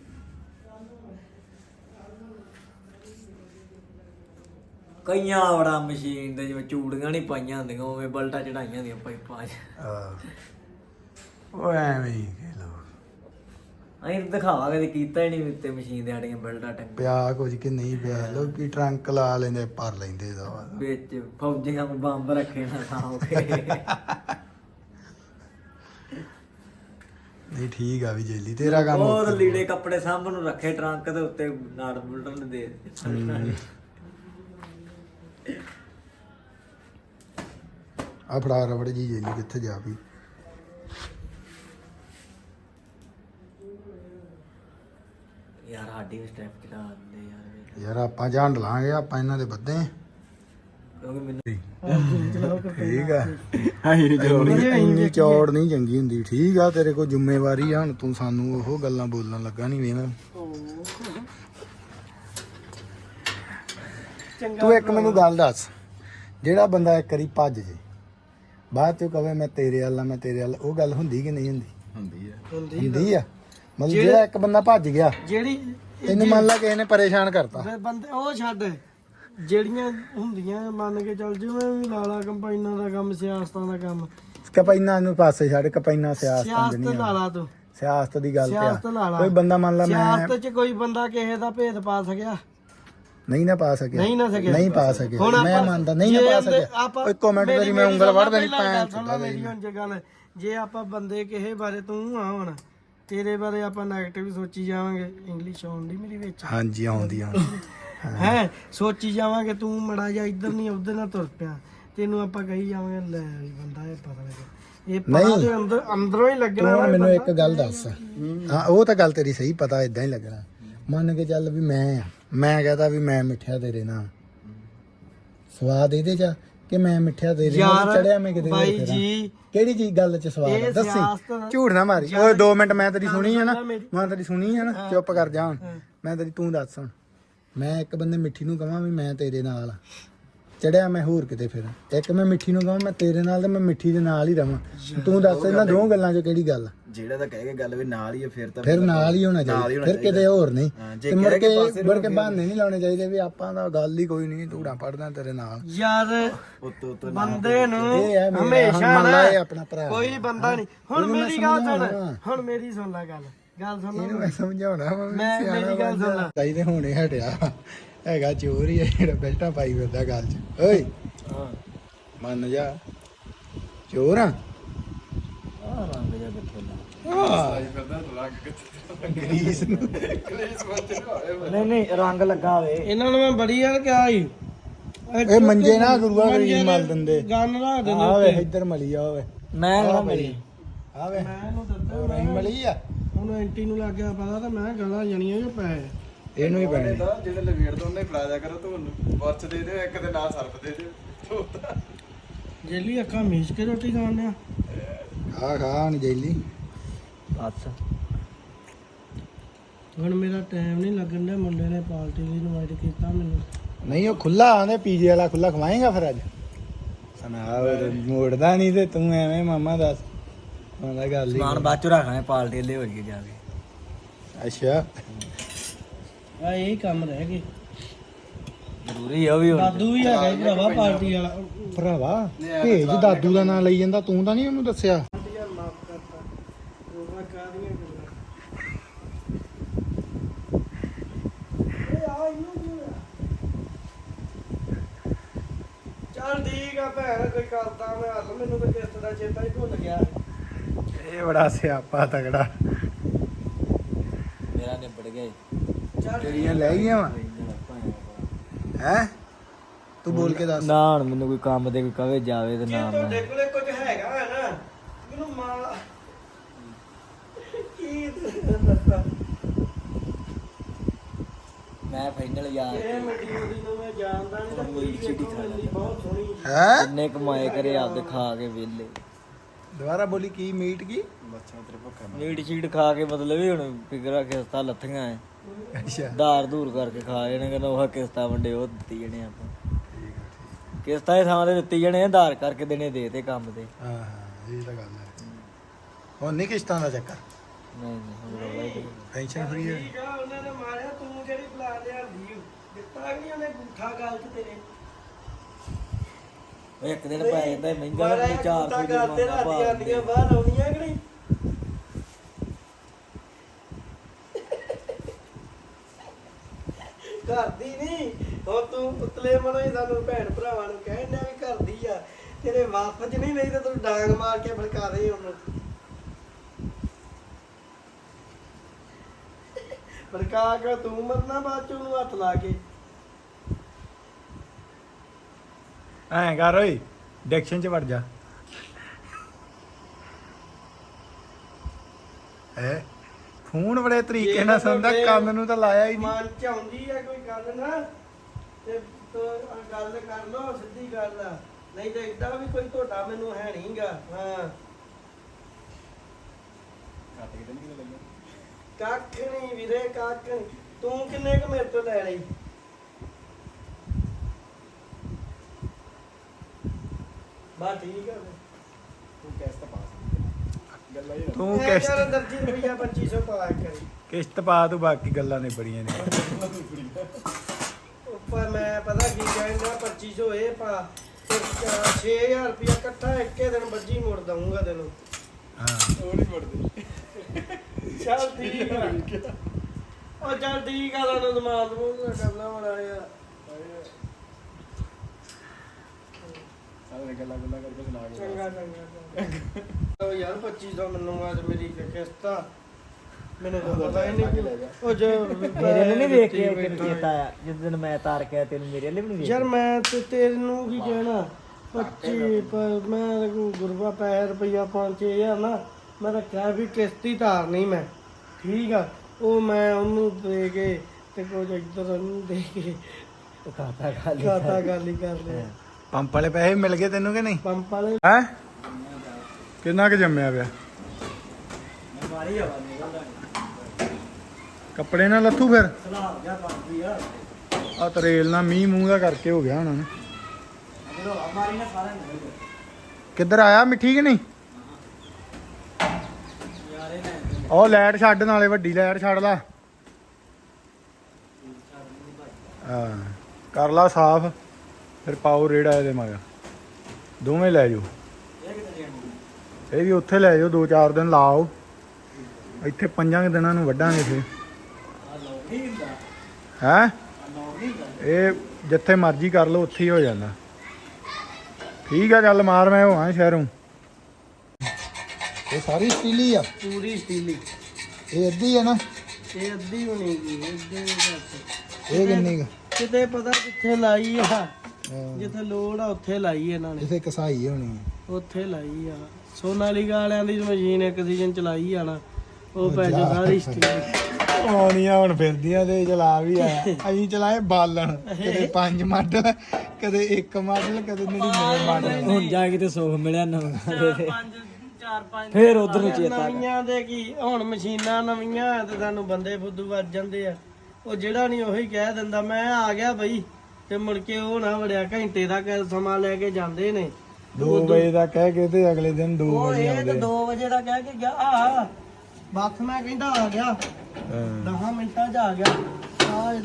[SPEAKER 4] ਕਈਆਂ ਬੜਾ ਮਸ਼ੀਨ ਦੇ ਜਿਵੇਂ ਚੂੜੀਆਂ ਨਹੀਂ ਪਾਈਆਂ ਹੁੰਦੀਆਂ ਉਵੇਂ ਬਲਟਾ ਚੜਾਈਆਂ ਹੁੰਦੀਆਂ ਪਾਈਪਾਂ 'ਚ
[SPEAKER 2] ਆਹ। ਉਹ ਐਵੇਂ ਹੀ ਕਹਿ ਲੋ
[SPEAKER 4] ਅਸੀਂ ਤਾਂ ਦਿਖਾਵਾ ਕਦੇ ਕੀਤਾ ਹੀ ਨਹੀਂ ਉੱਤੇ ਮਸ਼ੀਨ ਦੇ ਆੜੀਆਂ ਬਲਟਾ ਟੰਗ
[SPEAKER 2] ਪਿਆ ਕੁਝ ਕਿ ਨਹੀਂ ਪਿਆ ਲੋਕੀ ਟਰੰਕ ਲਾ ਲੈਂਦੇ ਭਰ ਲੈਂਦੇ ਦਾ ਵਾ।
[SPEAKER 4] ਵਿੱਚ ਫੌਜੀਆਂ ਨੂੰ ਬੰਬ ਰੱਖੇ ਨਾ ਸਾਂਭ ਕੇ
[SPEAKER 2] ਨਹੀਂ ਠੀਕ ਆ ਵੀ ਜੇਲੀ ਤੇਰਾ ਕੰਮ
[SPEAKER 4] ਉਹ
[SPEAKER 2] ਉੱਤੇ
[SPEAKER 4] ਲੀੜੇ ਕੱਪੜੇ ਸਾਂਭਣ ਨੂੰ ਰੱਖੇ ਟਰੰਕ ਦੇ ਉੱਤੇ ਨਾੜ ਬੁਲਟਨ ਦੇ
[SPEAKER 2] ਆ ਫੜਾ ਰਬੜ ਜੀ ਜੇਲੀ ਕਿੱਥੇ ਜਾ ਵੀ
[SPEAKER 4] ਯਾਰ ਸਾਡੀ ਵੀ ਸਟੈਪ ਚੜਾ ਦਿੰਦੇ ਯਾਰ
[SPEAKER 2] ਯਾਰ ਆਪਾਂ ਝੰਡ ਲਾਂਗੇ ਆਪਾਂ ਇਹਨਾਂ ਦੇ ਬੱਦੇ
[SPEAKER 4] ਕਿਉਂਕਿ ਮੈਨੂੰ
[SPEAKER 2] ਠੀਕ ਆ ਇੰਨੀ ਇੰਨੀ ਚੌੜ ਨਹੀਂ ਚੰਗੀ ਹੁੰਦੀ ਠੀਕ ਆ ਤੇਰੇ ਕੋਲ ਜ਼ਿੰਮੇਵਾਰੀ ਆ ਹੁਣ ਤੂੰ ਸਾਨੂੰ ਉਹ ਗੱਲਾਂ ਬੋਲਣ ਲੱਗਾ ਨਹੀਂ ਵੇਣਾ ਤੂੰ ਇੱਕ ਮੈਨੂੰ ਗੱਲ ਦੱਸ ਜਿਹੜਾ ਬੰਦਾ ਇੱਕ ਵਾਰੀ ਭੱਜ ਜੇ ਬਾਅਦ ਚ ਕਵੇ ਮੈਂ ਤੇਰੇ ਵਾਲਾ ਮੈਂ ਤੇਰੇ ਵਾਲਾ ਉਹ ਗੱਲ ਹੁੰਦੀ ਕਿ ਨਹੀਂ ਹੁੰਦੀ
[SPEAKER 3] ਹੁੰਦੀ ਆ
[SPEAKER 2] ਹੁੰਦੀ ਆ ਮਤਲਬ ਜਿਹੜਾ ਇੱਕ ਬੰਦਾ ਭੱਜ ਗਿਆ
[SPEAKER 1] ਜਿਹੜੀ
[SPEAKER 2] ਤੈਨੂੰ ਮੰਨ ਲਾ ਕਿਸੇ ਨੇ ਪਰੇਸ਼ਾਨ ਕਰਤਾ
[SPEAKER 1] ਵੇ ਬੰਦੇ ਉਹ ਛੱਡ ਜਿਹੜੀਆਂ ਹੁੰਦੀਆਂ ਮੰਨ ਕੇ ਚੱਲ ਜਿਵੇਂ ਵੀ ਲਾਲਾ ਕੰਪਾਈਨਾਂ ਦਾ ਕੰਮ ਸਿਆਸਤਾਂ ਦਾ ਕੰਮ
[SPEAKER 2] ਕਪੈਨਾ ਨੂੰ ਪਾਸੇ ਛੱਡ ਕਪੈਨਾ ਸਿਆਸਤ
[SPEAKER 1] ਸਿਆਸਤ
[SPEAKER 2] ਨਹੀਂ ਆ
[SPEAKER 1] ਲਾਲਾ ਤੂੰ
[SPEAKER 2] ਸਿਆਸਤ ਦੀ ਗੱਲ ਤੇ
[SPEAKER 1] ਸਿਆਸਤ
[SPEAKER 2] ਆ
[SPEAKER 1] ਲਾਲਾ
[SPEAKER 2] ਕੋਈ ਬੰਦਾ ਮੰਨ ਲਾ ਮੈਂ
[SPEAKER 1] ਸਿਆਸਤ 'ਚ ਕੋਈ ਬੰਦਾ ਕਿਸੇ ਦਾ ਭੇਦ ਪਾ ਸਕਿਆ
[SPEAKER 2] ਨਹੀਂ ਨਾ ਪਾ ਸਕਿਆ
[SPEAKER 1] ਨਹੀਂ ਨਾ ਸਕਿਆ
[SPEAKER 2] ਨਹੀਂ ਪਾ ਸਕਿਆ
[SPEAKER 1] ਹੁਣ
[SPEAKER 2] ਮੈਂ
[SPEAKER 1] ਆਪਾਂ-
[SPEAKER 2] ਮੰਨਦਾ ਨਹੀਂ ਨਾ
[SPEAKER 1] ਜੇ
[SPEAKER 2] ਪਾ
[SPEAKER 1] ਅੰਦਰ
[SPEAKER 2] ਸਕਿਆ
[SPEAKER 1] ਆਪਾਂ-
[SPEAKER 2] ਇੱਕ ਕਮੈਂਟ
[SPEAKER 1] ਮੇਰੀ-
[SPEAKER 2] ਕਰੀ ਮੈਂ
[SPEAKER 1] ਮੇਰੀ
[SPEAKER 2] ਉਂਗਲ
[SPEAKER 1] ਗੱਲ
[SPEAKER 2] ਵੜ ਦੇਣੀ
[SPEAKER 1] ਪਹਿਲਾਂ
[SPEAKER 2] ਪੈਣ
[SPEAKER 1] ਗੱਲ ਸੁਣ ਲੈ ਮੇਰੀ ਹੁਣ ਜੇ ਗੱਲ ਜੇ ਆਪਾਂ ਬੰਦੇ ਕਿਸੇ ਬਾਰੇ ਤੂੰ ਆ ਹੁਣ ਤੇਰੇ ਬਾਰੇ ਆਪਾਂ ਨੈਗੇਟਿਵ ਸੋਚੀ ਜਾਵਾਂਗੇ ਇੰਗਲਿਸ਼ ਆਉਂਦੀ ਮੇਰੀ ਵਿੱਚ
[SPEAKER 2] ਹਾਂਜੀ ਆਉਂਦੀ ਆ
[SPEAKER 1] ਹੈ ਸੋਚੀ ਜਾਵਾਂਗੇ ਤੂੰ ਮੜਾ ਜਾ ਇੱਧਰ ਨਹੀਂ ਉੱਧਰ ਨਾ ਤੁਰ ਪਿਆ ਤੈਨੂੰ ਆਪਾਂ ਕਹੀ ਜਾਵਾਂਗੇ ਲੈ ਵੀ ਬੰਦਾ ਇਹ ਪਤਾ ਲੱਗੇ ਇਹ ਪਤਾ ਦੇ ਅੰਦਰ ਅੰਦਰੋਂ ਹੀ ਲੱਗਣਾ
[SPEAKER 2] ਤੂੰ
[SPEAKER 1] ਵਾ
[SPEAKER 2] ਮੈਨੂੰ
[SPEAKER 1] ਬੰਦਾ।
[SPEAKER 2] ਇੱਕ ਗੱਲ ਦੱਸ ਹਾਂ ਉਹ ਤਾਂ ਗੱਲ ਤੇਰੀ ਸਹੀ ਪਤਾ ਇਦਾਂ ਹੀ ਲੱਗਣਾ ਮੰਨ ਕੇ ਚੱਲ ਵੀ ਮੈਂ ਆ ਮੈਂ ਕਹਤਾ ਵੀ ਮੈਂ ਮਿੱਠਿਆ ਤੇਰੇ ਨਾਲ ਸਵਾਦ ਇਹਦੇ ਚ ਆ ਕਿ ਮੈਂ ਮਿੱਠਿਆ ਤੇਰੇ ਨਾਲ
[SPEAKER 1] ਯਾਰ
[SPEAKER 2] ਚੜਿਆ ਮੈਂ ਕਿਤੇ ਹੋਰ
[SPEAKER 1] ਬਾਈ
[SPEAKER 2] ਫਿਰਾਂ।
[SPEAKER 1] ਜੀ
[SPEAKER 2] ਕਿਹੜੀ ਚੀਜ਼ ਗੱਲ ਚ ਸਵਾਦ ਆ?
[SPEAKER 1] ਇਹ
[SPEAKER 2] ਦੱਸੀ
[SPEAKER 1] ਸਿਆਸਤ-
[SPEAKER 2] ਝੂਠ ਨਾ ਮਾਰੀ ਓਏ ਦੋ ਮਿੰਟ ਮੈਂ ਤੇਰੀ ਸੁਣੀ ਆ ਨਾ
[SPEAKER 1] ਗੱਲ ਮੇਰੀ।
[SPEAKER 2] ਮੈਂ ਤੇਰੀ ਸੁਣੀ ਆ ਨਾ ਚੁੱਪ ਕਰ ਜਾ ਹੁਣ ਮੈਂ ਤੇਰੀ ਤੂੰ ਦੱਸ ਹੁਣ ਮੈਂ ਇੱਕ ਬੰਦੇ ਮਿੱਠੀ ਨੂੰ ਕਹਾਂ ਵੀ ਮੈਂ ਤੇਰੇ ਨਾਲ ਆ ਚੜਿਆ ਮੈਂ ਹੋਰ ਕਿਤੇ ਫਿਰ ਇੱਕ ਮੈਂ ਮਿੱਠੀ ਨੂੰ ਕਹਾਂ ਮੈਂ ਤੇਰੇ ਨਾਲ ਤੇ ਮੈਂ ਮਿੱਠੀ ਦੇ ਨਾਲ ਹੀ ਰਵਾਂ ਤੂੰ ਦੱਸ ਇਹਨਾਂ ਦੋ ਗੱਲਾਂ ਚੋਂ ਕਿਹੜੀ ਗੱਲ ਆ?
[SPEAKER 3] ਜਿਹੜਾ ਤਾਂ ਕਹਿ ਕੇ ਗੱਲ ਵੀ ਨਾਲ ਹੀ ਆ ਫਿਰ ਤਾਂ
[SPEAKER 2] ਫਿਰ ਨਾਲ ਹੀ ਹੋਣਾ
[SPEAKER 3] ਨਾਲ ਹੀ
[SPEAKER 2] ਚਾਹੀਦਾ
[SPEAKER 3] ਹੋਣਾ
[SPEAKER 2] ਫਿਰ ਕਿਤੇ ਹੋਰ ਨਹੀਂ
[SPEAKER 3] ਹਾਂ, ਜੇ
[SPEAKER 2] ਤੇ ਮੁੜ
[SPEAKER 3] ਕਹਿ ਕੇ
[SPEAKER 2] ਕੇ
[SPEAKER 3] ਪਾਸੇ
[SPEAKER 2] ਮੁੜ ਕੇ ਬਹਾਨੇ ਨਹੀਂ ਲਾਉਣੇ ਚਾਹੀਦੇ ਵੀ ਆਪਾਂ ਦਾ ਗੱਲ ਹੀ ਕੋਈ ਨਹੀਂ ਧੂੜਾ ਪੜਦਾ ਤੇਰੇ ਨਾਲ
[SPEAKER 1] ਯਾਰ
[SPEAKER 3] ਉੱਤੋਂ ਉੱਤੋਂ
[SPEAKER 1] ਬੰਦੇ ਨੂੰ
[SPEAKER 2] ਇਹ ਹੈ ਮੇਰਾ,
[SPEAKER 1] ਹਮੇਸ਼ਾ
[SPEAKER 2] ਹੁਣ ਮੰਨ ਲਾ ਇਹ
[SPEAKER 1] ਨਾ
[SPEAKER 2] ਆਪਣਾ ਭਰਾ
[SPEAKER 1] ਕੋਈ ਬੰਦਾ ਨਹੀਂ ਹੁਣ
[SPEAKER 2] ਇਹਨੂੰ ਮੈਂ
[SPEAKER 1] ਮੇਰੀ ਗੱਲ ਸੁਣ
[SPEAKER 2] ਸਮਝਾਉਣਾ।
[SPEAKER 1] ਹੁਣ ਮੇਰੀ ਸੁਣ ਲੈ ਗੱਲ ਗੱਲ ਸੁਣ ਲੈ
[SPEAKER 2] ਇਹਨੂੰ ਮੈਂ ਸਮਝਾਉਣਾ ਵਾ ਵੀ
[SPEAKER 1] ਮੈਂ-
[SPEAKER 2] ਸਿਆਣਾ
[SPEAKER 1] ਮੇਰੀ ਗੱਲ ਸੁਣ ਲੈ।
[SPEAKER 2] ਚਾਹੀਦੇ ਹੁਣੇ ਹਟਿਆ ਹੈਗਾ ਚੋਰ ਹੀ ਹੈ ਜਿਹੜਾ ਬੈਲਟਾਂ ਪਾਈ ਫਿਰਦਾ ਗੱਲ 'ਚ ਓਏ
[SPEAKER 4] ਹਾਂ
[SPEAKER 2] ਮੰਨ ਜਾ ਚੋਰ ਆ
[SPEAKER 4] ਆ ਰੰਗ ਜਿਹਾ ਕਿੱਥੇ ਲਾ
[SPEAKER 2] ਗਰੀਸ ਨੂੰ
[SPEAKER 4] ਨਹੀਂ ਨਹੀਂ ਰੰਗ ਲੱਗਾ ਵੇ
[SPEAKER 1] ਇਹਨਾਂ ਨੂੰ ਮੈਂ ਬੜੀ ਯਾਰ ਕਿਹਾ ਸੀ
[SPEAKER 2] ਇਹ ਮੰਜੇ ਨਾ ਗੁਰੂਆ ਗਰੀਬ ਮਲ ਦਿੰਦੇ
[SPEAKER 1] ਗੰਨ ਰੱਖ ਦਿੰਦੇ
[SPEAKER 2] ਆਵੇ ਇੱਧਰ ਮਲੀ ਆ ਓਏ
[SPEAKER 4] ਮੈਂ ਨਾ ਮੇਰੀ
[SPEAKER 2] ਆਵੇ
[SPEAKER 1] ਮੈਂ ਇਹਨੂੰ ਦੱਸਿਆ
[SPEAKER 2] ਹੋਰ ਅਸੀਂ ਮਲੀ ਆ
[SPEAKER 1] ਹੁਣ ਐਂਟੀ ਨੂੰ ਲੱਗ ਗਿਆ ਪਤਾ ਤਾਂ ਮੈਂ ਗਾਲਾਂ ਜਣੀਆਂ ਜੋ ਪੈ
[SPEAKER 2] ਇਹਨੂੰ ਹੀ ਪੈਣੇ
[SPEAKER 3] ਜਿਹੜੇ ਲਵੇੜ ਤੋਂ ਉਹਨੇ ਫੜਾ ਦਿਆ ਕਰੋ ਤੁਹਾਨੂੰ ਵਰਚ ਦੇ ਦਿਓ ਇੱਕ ਦੇ ਨਾਲ ਸਰਫ ਦੇ ਦਿਓ
[SPEAKER 1] ਜੇਲੀ ਅੱਖਾਂ ਮੀਚ ਕੇ ਰੋਟੀ ਖਾਣ ਆ
[SPEAKER 2] ਖਾ ਖਾ ਹੁਣ ਜੈਲੀ
[SPEAKER 4] ਅੱਛਾ
[SPEAKER 1] ਹੁਣ ਮੇਰਾ ਟਾਈਮ ਨਹੀਂ ਲੱਗਣ ਡਿਆ ਮੁੰਡੇ ਨੇ ਪਾਰਟੀ ਲਈ ਇਨਵਾਈਟ ਕੀਤਾ ਮੈਨੂੰ
[SPEAKER 2] ਨਹੀਂ ਉਹ ਖੁੱਲਾ ਆਂਦੇ ਪੀਜੇ ਵਾਲਾ ਖੁੱਲਾ ਖਵਾਏਗਾ ਫਿਰ ਅੱਜ ਸੁਣਾ ਓਏ ਮੋੜਦਾ ਨਹੀਂ ਤੇ ਤੂੰ ਐਵੇਂ ਮਾਮਾ ਦੱਸ ਮਾਦਾ ਗੱਲ ਹੀ
[SPEAKER 4] ਸਮਾਨ ਬਾਅਦ ਚ ਰੱਖਣਾ ਪਾਲਟੀ ਲੈ ਹੋ ਕੇ ਜਾ ਕੇ
[SPEAKER 2] ਅੱਛਾ
[SPEAKER 1] ਆ ਇਹ ਕੰਮ ਰਹਿ ਗਏ
[SPEAKER 4] ਜ਼ਰੂਰੀ ਆ ਉਹ ਵੀ ਹੁਣ
[SPEAKER 1] ਦਾਦੂ ਵੀ ਹੈਗਾ ਜੀ ਭਰਾਵਾ ਪਾਰਟੀ ਵਾਲਾ
[SPEAKER 2] ਭਰਾਵਾ ਭੇਜ ਦਾਦੂ ਦਾ ਨਾਂ ਲਈ ਜਾਂਦਾ ਤੂੰ ਤਾਂ ਨਹੀਂ ਉਹਨੂੰ ਦੱਸਿਆ
[SPEAKER 1] ਯਾਰ ਮਾਫ ਕਰਤਾ ਉਹ ਕਾਦੀਆਂ ਗੱਲਾਂ ਏ ਆ ਇਹਨੂੰ ਕੀ ਹੋਇਆ ਚੱਲ ਠੀਕ ਆ ਭੈਣ ਕੋਈ ਕਰਦਾ ਮੈਂ ਹੱਲ ਮੈਨੂੰ ਤਾਂ ਕਿਸ਼ਤ ਦਾ ਚੇਤਾ ਹੀ ਭੁੱਲ ਗਿਆ
[SPEAKER 2] ਇਹ ਬੜਾ ਸਿਆਪਾ ਤਗੜਾ
[SPEAKER 4] ਮੇਰਾ ਨਿਬੜ ਗਿਆ ਈ।
[SPEAKER 1] ਚੱਲ
[SPEAKER 2] ਤੇਰੀਆਂ ਲੈ ਗਈਆਂ ਵਾ ਹੈ ਤੂੰ ਬੋਲ ਕੇ ਦੱਸ
[SPEAKER 4] ਨਾ ਹੁਣ ਮੈਨੂੰ ਕੋਈ ਕੰਮ ਦੇ ਕੋਈ ਕਵੇ ਜਾਵੇ ਤੇ
[SPEAKER 1] ਜੇ
[SPEAKER 4] ਨਾ
[SPEAKER 1] ਤੁਹਾਡੇ
[SPEAKER 4] ਮੈਂ
[SPEAKER 1] ਕੋਲੇ ਕੁਝ ਹੈਗਾ ਹੈ ਨਾ ਮੈਨੂੰ ਮਾਰ ਕੀ ਦੱਸਾਂ
[SPEAKER 4] ਮੈਂ ਫਾਈਨਲ ਯਾਰ
[SPEAKER 1] ਇਹ ਮਿੱਟੀ ਉਹਦੀ ਨੂੰ ਮੈਂ ਜਾਣਦਾ ਨਹੀਂ ਤਾਂ
[SPEAKER 4] ਕੋਈ ਚੀਟੀ ਖਾ
[SPEAKER 1] ਮੇਰੀ ਬਹੁਤ ਸੋਹਣੀ
[SPEAKER 2] ਹੈ
[SPEAKER 4] ਜਿੰਨੇ ਕਮਾਏ ਕਰੇ ਆਪਦੇ ਖਾ ਕੇ ਵਿਹਲੇ
[SPEAKER 2] ਦੁਬਾਰਾ ਬੋਲੀ ਕੀ ਮੀਟ ਕੀ
[SPEAKER 4] ਮੀਟ ਸ਼ੀਟ ਖਾ ਕੇ ਮਤਲਬ ਵੀ ਹੁਣ ਫਿਕਰਾ ਕਿਸ਼ਤਾਂ ਲੱਥੀਆਂ ਐ
[SPEAKER 2] ਅੱਛਾ
[SPEAKER 4] ਧਾਰ ਧੂਰ ਕਰਕੇ ਖਾ ਜਾਣੇ ਕਹਿੰਦਾ ਉਹ ਕਿਸ਼ਤਾਂ ਵੰਡੇ ਉਹ ਦਿੱਤੀ ਜਾਣੇ ਆਪਾਂ ਕਿਸ਼ਤਾਂ ਇਹ ਥਾਂ ਤੇ ਦਿੱਤੀ ਜਾਣੇ ਧਾਰ ਕਰਕੇ ਦੇਣੇ ਦੇ ਤੇ ਕੰਮ ਤੇ
[SPEAKER 2] ਹਾਂ ਹਾਂ ਇਹ ਤਾਂ ਗੱਲ ਹੈ ਹੁਣ ਨਹੀਂ ਕਿਸ਼ਤਾਂ ਦਾ ਚੱਕਰ
[SPEAKER 4] ਨਹੀਂ ਨਹੀਂ ਹੁਣ ਰੌਲਾ ਹੀ ਕੋਈ।
[SPEAKER 2] ਟੈਨਸ਼ਨ ਫਰੀ ਹੈ
[SPEAKER 1] ਠੀਕ ਆ ਉਹਨਾਂ ਨੇ ਮਾਰਿਆ ਤੂੰ ਕਿਹੜੀ ਬੁਲਾ ਲਿਆਂਦੀ ਦਿੱਤਾ ਕਿ ਉਹਨੇ ਗੁੱਠਾ ਗੱਲ ਚ ਤੇਰੇ
[SPEAKER 4] ਉਹ ਇੱਕ ਦਿਨ ਪੈ ਜਾਂਦਾ ਮਹਿੰਗਾ
[SPEAKER 1] ਮਾਰਿਆ
[SPEAKER 4] ਨਾ ਚਾਰ
[SPEAKER 1] ਗੁੱਠਾ
[SPEAKER 4] ਸੌ
[SPEAKER 1] ਗੱਲ ਤੇ
[SPEAKER 4] ਦੀ
[SPEAKER 1] ਰਾਤੀ
[SPEAKER 4] ਮਾਂ
[SPEAKER 1] ਆਂਦੀਆਂ ਬਾਹਰ ਆਉਂਦੀਆਂ ਕਿ ਨਹੀਂ ਘਰ ਦੀ ਨਹੀਂ ਉਹ ਤੂੰ ਉਤਲੇ ਮਨੋਂ ਹੀ ਸਾਨੂੰ ਭੈਣ ਭਰਾਵਾਂ ਨੂੰ ਕਹਿਣ ਡਿਆ ਵੀ ਘਰ ਦੀ ਆ ਤੇਰੇ ਵਾਪਸ ਚ ਨਹੀਂ ਨਹੀਂ ਤਾਂ ਤੂੰ ਡਾਂਗ ਮਾਰ ਕੇ ਫੜਕਾ ਦੇ ਉਹਨੂੰ ਫੜਕਾ ਕੇ ਤੂੰ ਮਰਨਾ ਬਾਅਦ ਚ ਉਹਨੂੰ ਹੱਥ ਲਾ ਕੇ
[SPEAKER 2] ਐਂ ਕਰ ਓਏ ਡਿਕਸ਼ਨ ਚ ਵੜ ਜਾ ਹੈ ਫੋਨ ਬੜੇ ਤਰੀਕੇ ਨਾਲ ਸੁਣਦਾ ਕੰਨ ਨੂੰ ਤਾਂ ਲਾਇਆ ਹੀ ਨਹੀਂ
[SPEAKER 1] ਮਨ ਚ ਆਉਂਦੀ ਆ ਕੋਈ ਗੱਲ ਨਾ ਤੇ ਤੂੰ ਆਹ ਗੱਲ ਕਰ ਲੋ ਸਿੱਧੀ ਗੱਲ ਆ ਨਹੀਂ ਤੇ ਏਦਾਂ ਵੀ ਕੋਈ ਤੁਹਾਡਾ ਮੈਨੂੰ ਹੈ ਨਹੀਂਗਾ ਹਾਂ ਕੱਖ ਨਹੀਂ ਵੀਰੇ ਕੱਖ ਨੀ। ਤੂੰ ਕਿੰਨੇ ਕੁ ਮੇਰੇ ਤੋਂ ਲੈ ਲਈ ਬਾ ਠੀਕ ਆ ਫਿਰ।
[SPEAKER 2] ਤੂੰ
[SPEAKER 1] ਮੈਂ
[SPEAKER 2] ਕਿਸ਼ਤ
[SPEAKER 1] ਯਾਰ ਦਰਜੀ ਰੁਪਈਆ ਪੱਚੀ ਸੌ ਪਾ ਕਰੀ
[SPEAKER 2] ਕਿਸ਼ਤ ਪਾ ਤੂੰ ਬਾਕੀ ਗੱਲਾਂ ਨੇ ਬੜੀਆਂ ਨੇ
[SPEAKER 1] ਉੱਪਰ ਮੈਂ ਪਤਾ ਕੀ ਕਹਿੰਦਾ ਪੱਚੀ ਸੌ ਇਹ ਪਾ ਤੇ ਛੇ ਹਜ਼ਾਰ ਰੁਪਇਆ ਇਕੱਠਾ ਇੱਕੇ ਦਿਨ ਬੱਜੀ ਮੋੜ ਦਊਂਗਾ ਤੈਨੂੰ
[SPEAKER 2] ਹਾਂ
[SPEAKER 1] ਚੱਲ ਠੀਕ ਆ ਉਹ ਚੱਲ ਠੀਕ ਆ ਤੁਹਾਨੂੰ ਦਿਮਾਗ ਨੂੰ ਕਰਨਾ ਬੜਾ ਯਾਰ ਚੰਗਾ ਚੰਗਾ ਉਹ ਯਾਰ ਪੱਚੀ ਸੌ ਮੈਨੂੰ ਅੱਜ ਮੇਰੀ ਕਿਸ਼ਤ ਆ ਮੈਨੂੰ ਤਾਂ ਪਤਾ ਹੀ ਨਹੀਂ ਉਹ ਜੋ
[SPEAKER 4] ਮੇਰੇ ਲਈ ਨਹੀਂ ਵੇਖ ਕੇ ਤੈਨੂੰ ਚੇਤਾ ਆਇਆ ਜਿਸ ਦਿਨ ਮੈਂ ਤਾਰ ਕੇ ਆਇਆ ਤੈਨੂੰ ਮੇਰੇ ਲਈ ਵੀ ਨਹੀਂ ਵੇਖ
[SPEAKER 1] ਯਾਰ ਮੈਂ ਤੇ ਤੈਨੂੰ ਕੀ ਕਹਿਣਾ ਪੱਚੀ ਪ- ਮੈਂ ਗੁਰਬਾ ਪੈਸੇ ਰੁਪਈਆ ਪੰਜ ਛੇ ਹਜ਼ਾਰ ਨਾ ਮੈਂ ਰੱਖਿਆ ਵੀ ਕਿਸ਼ਤੀ ਤਾਰਨੀ ਮੈਂ ਠੀਕ ਆ ਉਹ ਮੈਂ ਉਹਨੂੰ ਦੇ ਕੇ ਤੇ ਕੁਝ ਇੱਧਰ ਉਹਨੂੰ ਦੇ ਕੇ
[SPEAKER 4] ਉਹ ਖਾਤਾ ਖਾਲੀ
[SPEAKER 1] ਖਾਤਾ ਗੱਲ ਹੀ ਕਰ ਲਿਆ
[SPEAKER 2] ਪੰਪ ਵਾਲੇ ਪੈਸੇ ਮਿਲ ਗਏ ਤੈਨੂੰ ਕਿ ਨਹੀਂ
[SPEAKER 1] ਪੰਪ ਵਾਲੇ
[SPEAKER 2] ਹੈ ਕਿੰਨਾ ਕੁ ਜੰਮਿਆ ਪਿਆ
[SPEAKER 4] ਮਾਰੀ ਆਵਾ ਨਿਕਲਦਾ
[SPEAKER 2] ਕੱਪੜੇ ਨਾਲ ਲੱਥੂ ਫਿਰ
[SPEAKER 4] ਸਲਾਬ ਜਾ ਪਾਉਂਦੀ ਆ
[SPEAKER 2] ਆ ਤਰੇਲ ਨਾਲ ਮੀਂਹ ਮੂੰਹ ਦਾ ਕਰਕੇ ਹੋ ਗਿਆ ਹੁਣ
[SPEAKER 4] ਜਦੋਂ ਮਾਰੀ ਨਾ ਸਾਰਾ ਨਿਕਲ ਗਿਆ
[SPEAKER 2] ਕਿੱਧਰ ਆਇਆ ਮਿੱਠੀ ਕਿ ਨਹੀਂ
[SPEAKER 4] ਯਾਰ ਇਹ ਨਾ
[SPEAKER 2] ਉਹ ਲਾਈਟ ਛੱਡ ਨਾਲੇ ਵੱਡੀ ਲਾਈਟ ਛੱਡ ਲਾ ਹਾਂ ਕਰ ਲਾ ਸਾਫ਼ ਫਿਰ ਪਾਓ ਰੇੜਾ ਇਹਦੇ ਮਗਰ ਦੋਵੇਂ ਲੈ ਜਾਓ
[SPEAKER 4] ਇਹ ਕਿੱਥੇ ਜਾਣੀ
[SPEAKER 2] ਇਹ ਵੀ ਉੱਥੇ ਲੈ ਜਾਓ ਦੋ ਚਾਰ ਦਿਨ ਲਾਓ ਇੱਥੇ ਪੰਜਾਂ ਕੁ ਦਿਨਾਂ ਨੂੰ ਵੱਢਾਂਗੇ ਫਿਰ
[SPEAKER 4] ਆ ਲੋਕ ਨਹੀਂ ਹੁੰਦਾ
[SPEAKER 2] ਹੈ
[SPEAKER 4] ਆ ਲੋਕ ਨਹੀਂ ਹੁੰਦਾ
[SPEAKER 2] ਇਹ ਜਿੱਥੇ ਮਰਜ਼ੀ ਕਰ ਲਓ ਉੱਥੇ ਹੀ ਹੋ ਜਾਂਦਾ ਠੀਕ ਆ ਚੱਲ ਮਾਰ ਮੈਂ ਹੋਵਾਂ ਸ਼ਹਿਰੋਂ ਇਹ ਸਾਰੀ ਸਟੀਲੀ ਆ
[SPEAKER 1] ਪੂਰੀ ਸਟੀਲੀ
[SPEAKER 2] ਇਹ ਅੱਧੀ ਆ ਨਾ
[SPEAKER 1] ਇਹ ਅੱਧੀ ਹੋਣੀ ਗਈ ਅੱਧੇ ਕਰਕੇ
[SPEAKER 2] ਇਹ ਕਿੰਨੀ ਕੁ?
[SPEAKER 1] ਕਿਤੇ ਪਤਾ ਕਿੱਥੇ ਲਾਈ ਆ
[SPEAKER 2] ਹਾਂ,
[SPEAKER 1] ਜਿੱਥੇ ਲੋੜ ਆ ਉੱਥੇ ਲਾਈ ਇਹਨਾਂ ਨੇ
[SPEAKER 2] ਇੱਥੇ ਕਸਾਈ ਹੋਣੀ ਆ
[SPEAKER 1] ਉੱਥੇ ਲਾਈ ਆ ਸੋਨਾਲੀਕਾ ਵਾਲਿਆਂ ਦੀ ਮਸ਼ੀਨ ਇੱਕ ਸੀਜ਼ਨ ਚਲਾਈ ਆ ਨਾ ਉਹ ਪੈ ਜਾ ਸਾਰੀ ਸਟੀਲ
[SPEAKER 2] ਆਉਣੀਆਂ ਹੁਣ ਫਿਰਦੀਆਂ ਤੇ ਚਲਾ ਵੀ ਆਇਆ ਅਸੀਂ ਚਲਾਏ ਬਾਲਣ ਕਦੇ ਪੰਜ ਮਾਡਲ ਕਦੇ ਇੱਕ ਮਾਡਲ ਕਦੇ ਨੜਿਨਵੇਂ ਮਾਡਲ
[SPEAKER 4] ਹੁਣ ਜਾ ਕੇ ਤੇ ਸੁੱਖ ਮਿਲਿਆ ਨਵਾਂ
[SPEAKER 1] ਪੰਜ ਚਾਰ ਪੰਜ
[SPEAKER 4] ਫੇਰ ਉਧਰ ਨੂੰ ਚੇਤਾ
[SPEAKER 1] ਨਵੀਆਂ ਦੇ ਕੀ ਹੁਣ ਮਸ਼ੀਨਾਂ ਨਵੀਆਂ ਤੇ ਸਾਨੂੰ ਬੰਦੇ ਫੁੱਦੂ ਵੱਜ ਜਾਂਦੇ ਆ ਉਹ ਜਿਹੜਾ ਨਹੀਂ ਉਹੀ ਕਹਿ ਦਿੰਦਾ ਮੈਂ ਆ ਗਿਆ ਬਈ ਤੇ ਮੁੜ ਕੇ ਉਹ ਨਾ ਵੜਿਆ ਘੰਟੇ ਦਾ ਸਮਾਂ ਲੈ ਕੇ ਜਾਂਦੇ ਨੇ
[SPEAKER 2] ਦੋ ਵਜੇ ਦਾ ਕਹਿ ਕੇ ਤੇ ਅਗਲੇ ਦਿਨ ਦੋ
[SPEAKER 1] ਉਹ
[SPEAKER 2] ਵਜੇ
[SPEAKER 1] ਇਹ
[SPEAKER 2] ਆਉਂਦੇ
[SPEAKER 1] ਤਾਂ ਦੋ ਵਜੇ ਦਾ ਕਹਿ ਕੇ ਗਿਆ ਆ ਬਸ ਮੈਂ ਕਹਿੰਦਾ ਆ ਗਿਆ
[SPEAKER 2] ਹਾਂ।
[SPEAKER 1] ਦਸ ਮਿੰਟਾਂ 'ਚ ਆ ਗਿਆ ਆ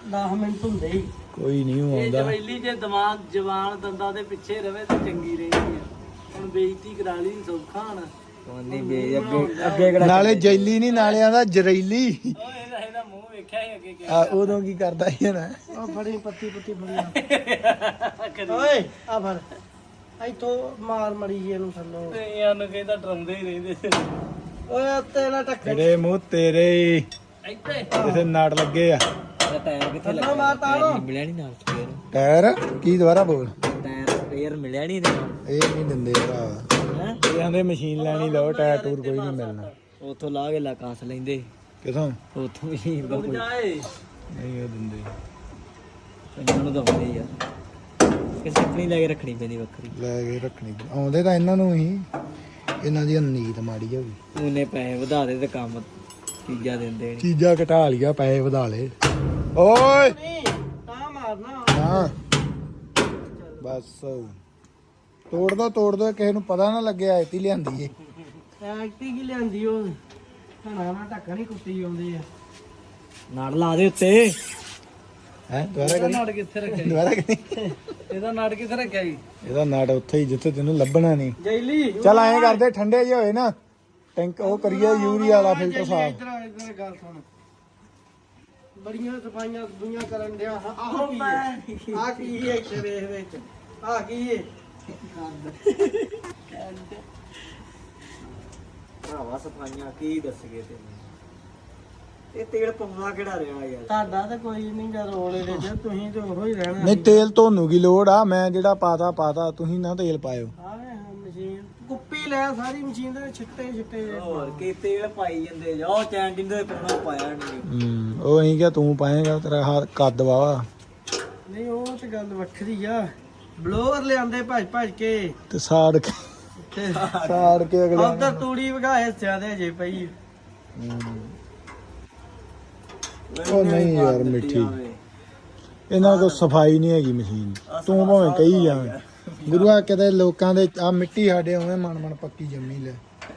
[SPEAKER 1] ਦਸ ਮਿੰਟ ਹੁੰਦੇ ਹੀ
[SPEAKER 2] ਕੋਈ ਨਹੀਂ ਆਉਂਦਾ
[SPEAKER 1] ਜਵੈਲੀ ਜੇ ਦਿਮਾਗ ਜਵਾਨ ਦੰਦਾਂ ਦੇ ਪਿੱਛੇ ਰਵੇ ਤੇ ਚੰਗੀ ਰਹਿੰਦੀ ਆ ਹੁਣ ਬੇਇੱਜ਼ਤੀ ਕਰਾ ਲਈ ਸੌਖਾ ਹਣ
[SPEAKER 4] ਨਹੀਂ ਬੇ ਅੱਗੇ ਅੱਗੇ ਕਿਹੜਾ
[SPEAKER 2] ਨਾਲੇ ਜੈਲੀ ਨਹੀਂ ਨਾਲੇ ਆਂਦਾ ਜਰੈਲੀ
[SPEAKER 1] ਓਏ ਇਹਦਾ ਇਹਦਾ ਮੂੰਹ ਵੇਖਿਆ ਹੀ ਅੱਗੇ
[SPEAKER 2] ਆ ਉਦੋਂ ਕੀ ਕਰਦਾ ਸੀ ਨਾ
[SPEAKER 1] ਉਹ ਫੜੀ ਪੱਤੀ ਪੁੱਤੀ ਫੜੀ ਓਏ ਆ ਫੜ ਇੱਥੋਂ ਮਾਰ ਮੜੀ ਜੀ ਇਹਨੂੰ ਥੱਲੋਂ ਇਹ ਨੂੰ ਕਹਿੰਦਾ ਡਰੰਦੇ ਹੀ ਰਹਿੰਦੇ ਓਏ ਉੱਤੇ ਨਾ ਟੱਕਰ
[SPEAKER 2] ਤੇਰੇ ਮੂੰਹ ਤੇਰੇ ਹੀ
[SPEAKER 1] ਇੱਥੇ
[SPEAKER 2] ਕਿਸੇ ਨਾੜ ਲੱਗੇ ਆ
[SPEAKER 4] ਟਾਇਰ ਕਿੱਥੇ
[SPEAKER 1] ਥੱਲੋਂ ਮਾਰ ਤਾਰੋ
[SPEAKER 4] ਮਿਲਿਆ ਨਹੀਂ ਨਾਲ ਸਪੇਅਰ
[SPEAKER 2] ਟਾਇਰ ਕੀ ਦੁਬਾਰਾ ਬੋਲ
[SPEAKER 4] ਟਾਇਰ ਸਪੇਅਰ ਮਿਲਿਆ ਨਹੀਂ ਇਹਦੇ
[SPEAKER 2] ਇਹ ਨਹੀਂ ਦਿੰਦੇ ਭਰਾ
[SPEAKER 4] ਹੈ
[SPEAKER 2] ਇਹ ਆਂਦੇ ਮਸ਼ੀਨ ਲੈਣੀ ਲਓ ਟਾਇਰ ਟੂਰ ਕੋਈ ਨਹੀਂ ਮਿਲਣਾ
[SPEAKER 4] ਉਥੋਂ ਲਾ ਕੇ ਲਾ ਕਾਸ ਲੈਂਦੇ
[SPEAKER 2] ਕਿਥੋਂ
[SPEAKER 4] ਉਥੋਂ ਮਸ਼ੀਨ ਦਾ ਕੋਈ
[SPEAKER 1] ਜਾਏ
[SPEAKER 2] ਨਹੀਂ ਉਹ ਦਿੰਦੇ
[SPEAKER 4] ਇਹਨਾਂ ਨੂੰ ਦਵਾਉਂਦੇ ਯਾਰ ਕਿਸੇ ਆਪਣੀ ਲੈ ਕੇ ਰੱਖਣੀ ਪੈਂਦੀ ਵੱਖਰੀ
[SPEAKER 2] ਲੈ ਕੇ ਰੱਖਣੀ ਆਉਂਦੇ ਤਾਂ ਇਹਨਾਂ ਨੂੰ ਹੀ ਇਹਨਾਂ ਦੀ ਨੀਤ ਮਾੜੀ ਹੋ ਗਈ
[SPEAKER 4] ਉਹਨੇ ਪੈਸੇ ਵਧਾ ਦੇ ਤੇ ਕੰਮ ਚੀਜ਼ਾਂ ਦਿੰਦੇ ਨੇ
[SPEAKER 2] ਚੀਜ਼ਾਂ ਘਟਾ ਲਿਆ ਪੈਸੇ ਵਧਾ ਲਏ ਓਏ
[SPEAKER 1] ਨਹੀਂ ਤਾਂ ਮਾਰਨਾ
[SPEAKER 2] ਹਾਂ ਬਸ ਤੋੜ ਦੋ ਤੋੜ ਦੋ ਕਿਸੇ ਨੂੰ ਪਤਾ ਨਾ ਲੱਗਿਆ ਐਤੀ ਲਿਆਂਦੀ ਏ
[SPEAKER 1] ਐਕਟੀ ਕੀ ਲਿਆਂਦੀ ਉਹ ਹਣਾ ਨਾ ਢੱਕਣ ਹੀ ਕੁੱਤੀ ਆਉਂਦੇ ਆ
[SPEAKER 4] ਨਾੜ ਲਾ ਦੇ ਉੱਤੇ
[SPEAKER 2] ਹੈ ਦੁਬਾਰਾ ਕਰੀ
[SPEAKER 1] ਨਾੜ ਕਿੱਥੇ ਰੱਖਿਆ
[SPEAKER 2] ਦੁਬਾਰਾ ਕਰੀ
[SPEAKER 1] ਇਹਦਾ ਨਾੜ ਕਿੱਥੇ ਰੱਖਿਆ ਜੀ
[SPEAKER 2] ਇਹਦਾ ਨਾੜ ਉੱਥੇ ਹੀ ਜਿੱਥੇ ਤੈਨੂੰ ਲੱਭਣਾ ਨਹੀਂ
[SPEAKER 1] ਜੈਲੀ
[SPEAKER 2] ਚੱਲ ਐਂ ਕਰਦੇ ਠੰਡੇ ਜਿਹੇ ਹੋਏ ਨਾ ਟੈਂਕ ਉਹ ਕਰੀਏ ਯੂਰੀਆ ਵਾਲਾ ਫਿਲਟਰ ਸਾਫ
[SPEAKER 1] ਇੱਧਰ ਆ, ਇੱਧਰ ਗੱਲ ਸੁਣ ਬੜੀਆਂ ਸਫਾਈਆਂ ਦੁਨੀਆ ਕਰਨ ਡਿਆ ਆਹ ਕੀ ਹੈ ਆਹ ਕੀ ਹੈ ਸ਼ਰੀਰ ਵਿੱਚ ਆਹ ਕੀ ਹੈ
[SPEAKER 4] ਭਰਾਵਾ ਸਫਾਈਆਂ ਕੀ ਦੱਸ ਗਏ ਤੈਨੂੰ ਇਹ ਤੇਲ ਪਵਾ ਕਿਹੜਾ ਰਿਹਾ ਯਾਰ
[SPEAKER 1] ਤੁਹਾਡਾ ਤਾਂ ਕੋਈ ਨਹੀਂ ਗਾ ਰੋਲ ਇਹਦੇ ਚ ਤੁਸੀਂ ਤੇ ਉਹੋ ਹੀ ਰਹਿਣਾ
[SPEAKER 2] ਨਹੀਂ ਤੇਲ ਤੁਹਾਨੂੰ ਕੀ ਲੋੜ ਆ ਮੈਂ ਜਿਹੜਾ ਪਾਤਾ ਪਾਤਾ ਤੁਸੀਂ ਨਾ ਤੇਲ ਪਾਇਓ
[SPEAKER 1] ਆਵੇ ਮਸ਼ੀਨ ਕੁੱਪੀ ਲੈ ਸਾਰੀ ਮਸ਼ੀਨ ਦੇ ਛਿੱਟੇ ਛਿੱਟੇ
[SPEAKER 4] ਹੋਰ ਕੀ ਤੇਲ ਪਾਈ ਜਾਂਦੇ ਜਾ ਉਹ ਚੈਂਟਿੰਗ ਦੇ ਪਾਉਣਾ ਪਾਇਆ ਨਹੀਂ
[SPEAKER 2] ਹੂੰ ਉਹ ਅਸੀਂ ਕਿਹਾ ਤੂੰ ਪਾਏਗਾ ਤੇਰਾ ਹੱਥ ਕੱਦ ਵਾਵਾ
[SPEAKER 1] ਨਹੀਂ ਉਹ ਤੇ ਗੱਲ ਵੱਖਰੀ ਆ ਬਲੋਅਰ ਲਿਆਂਦੇ ਭੱਜ ਭੱਜ ਕੇ
[SPEAKER 2] ਤੇ ਸਾੜ ਕੇ
[SPEAKER 1] ਤੇ
[SPEAKER 2] ਸਾੜ ਕੇ ਅਗਲੇ
[SPEAKER 1] ਉਧਰ ਤੂੜੀ ਵਗਾਏ ਸਿਆਦੇ ਜੇ ਪਈ
[SPEAKER 2] ਉਹ ਨਹੀਂ ਯਾਰ ਮਿੱਠੀ ਇਹਨਾਂ ਕੋਲ ਸਫਾਈ ਨਹੀਂ ਹੈਗੀ ਮਸ਼ੀਨ ਤੂੰ ਭਾਵੇਂ ਕਹੀ ਜਾਵੇਂ ਗੁਰੂਆ ਕਿਤੇ ਲੋਕਾਂ ਦੇ ਆ ਮਿੱਟੀ ਸਾਡੇ ਉਵੇਂ ਮਨ ਮਨ ਪੱਕੀ ਜੰਮੀ ਲੈ